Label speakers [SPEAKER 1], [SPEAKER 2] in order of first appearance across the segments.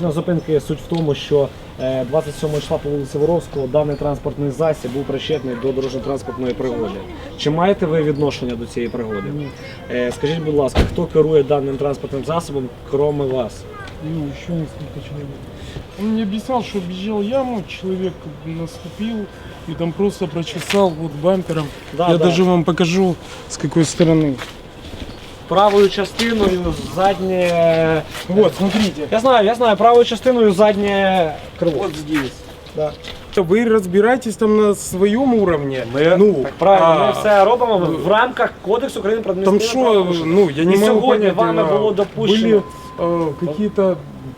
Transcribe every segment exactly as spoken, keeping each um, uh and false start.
[SPEAKER 1] Причина зупинки суть в тому, що двадцять сьомого числа по вулиці Воровського даний транспортний засіб був причетний до дорожньо-транспортної пригоди. Чи маєте ви відношення до цієї пригоди? Ні. Скажіть, будь ласка, хто керує даним транспортним засобом, крім вас?
[SPEAKER 2] Ну, еще несколько человек. Он мне объяснял, что объезжал яму, человек наступил и там просто прочесал вот бампером.
[SPEAKER 1] Да,
[SPEAKER 2] Я
[SPEAKER 1] да.
[SPEAKER 2] даже вам покажу, с какой стороны.
[SPEAKER 1] Правою частиною заднє...
[SPEAKER 2] Вот, смотрите.
[SPEAKER 1] Я знаю, я знаю, правою частиною заднє крило.
[SPEAKER 2] Вот здесь.
[SPEAKER 1] Да.
[SPEAKER 2] Вы разбираетесь там на своем уровне.
[SPEAKER 1] Ми,
[SPEAKER 2] ну,
[SPEAKER 1] так, правильно,
[SPEAKER 2] а,
[SPEAKER 1] ми все робимо в рамках Кодексу України про
[SPEAKER 2] Там
[SPEAKER 1] адміністративне
[SPEAKER 2] что,
[SPEAKER 1] правопорушення.
[SPEAKER 2] ну, я не
[SPEAKER 1] І
[SPEAKER 2] могу
[SPEAKER 1] сьогодні
[SPEAKER 2] понять,
[SPEAKER 1] вами
[SPEAKER 2] а,
[SPEAKER 1] було допущено.
[SPEAKER 2] были а, какие-то,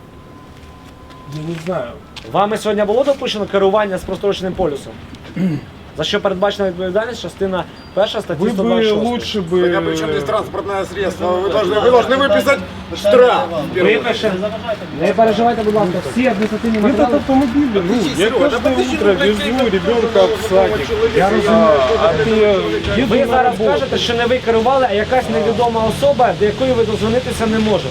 [SPEAKER 2] я не знаю.
[SPEAKER 1] Вами сьогодні було допущено керування з простроченим полюсом? За що передбачена відповідальність, частина перша статті
[SPEAKER 2] Вы
[SPEAKER 1] сто
[SPEAKER 2] бы
[SPEAKER 1] двадцять шість.
[SPEAKER 2] лучше бы...
[SPEAKER 3] Так, а при чем здесь транспортное средство? Вы должны, вы должны выписать штраф.
[SPEAKER 1] Випише. Не переживайте, будь ласка, всі адміністративні
[SPEAKER 2] Этот
[SPEAKER 1] матеріали.
[SPEAKER 2] автомобиль, ну, я каждое утро везу ребенка в садик.
[SPEAKER 1] Я розумію.
[SPEAKER 2] А, а ты еду
[SPEAKER 1] Ви
[SPEAKER 2] на
[SPEAKER 1] зараз
[SPEAKER 2] работу.
[SPEAKER 1] кажете, що не ви керували, а якась невідома особа, до якої ви дозвонитися не можете.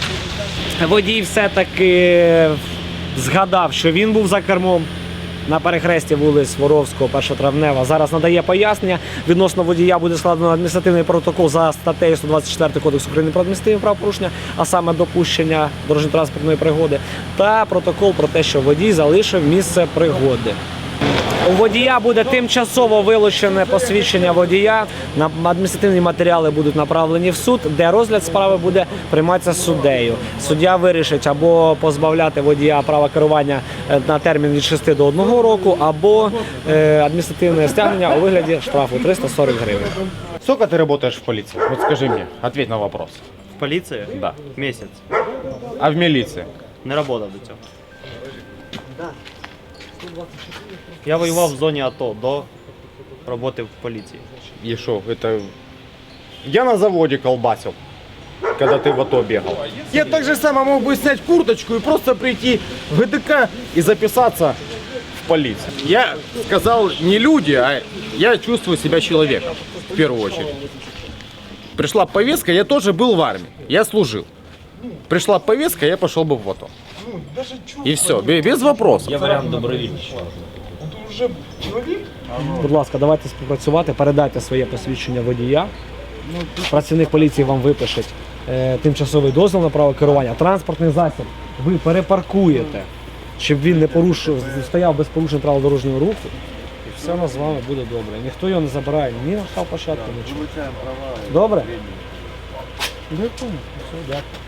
[SPEAKER 1] Водій все-таки згадав, що він був за кермом на перехресті вулиць Воровського, першотравнева. Зараз надає пояснення. Відносно водія буде складено адміністративний протокол за статтею сто двадцять чотири Кодексу України про адміністративні правопорушення, а саме допущення дорожньо-транспортної пригоди, та протокол про те, що водій залишив місце пригоди. У водія буде тимчасово вилучене посвідчення водія, адміністративні матеріали будуть направлені в суд, де розгляд справи буде прийматися суддею. Суддя вирішить або позбавляти водія права керування на термін від шести до одного року, або е, адміністративне стягнення у вигляді штрафу триста сорок гривень.
[SPEAKER 4] Сколько ты работаешь в полиции? Вот скажи мне, ответь на вопрос.
[SPEAKER 5] В поліції?
[SPEAKER 4] Да.
[SPEAKER 5] Місяць.
[SPEAKER 4] А в милиции?
[SPEAKER 5] Не працював до цього. Я воював в зоні АТО до роботи в поліції.
[SPEAKER 4] И шо, это... Я на заводе колбасил, когда ты в АТО бегал. Я так же само мог бы снять курточку и просто прийти в ГДК и записаться в полицию. Я сказал не люди, а я чувствую себя человеком, в первую очередь. Пришла повестка, я тоже был в армии, я служил. Пришла повестка, я пошел бы в АТО. И все, без вопросов.
[SPEAKER 5] Є варіант добровільний.
[SPEAKER 2] Это уже человек?
[SPEAKER 1] Будь ласка, давайте співпрацювати, передайте своє посвідчення водія. Працівник поліції вам випише е, тимчасовий дозвіл на право керування. Транспортний засіб ви перепаркуєте, щоб він не порушив, стояв без порушень правил дорожнього руху. І все у нас з вами буде добре. Ніхто його не забирає ні на штрафплощадку, нічого. Добре?
[SPEAKER 2] Я понял.
[SPEAKER 1] Все, дякую.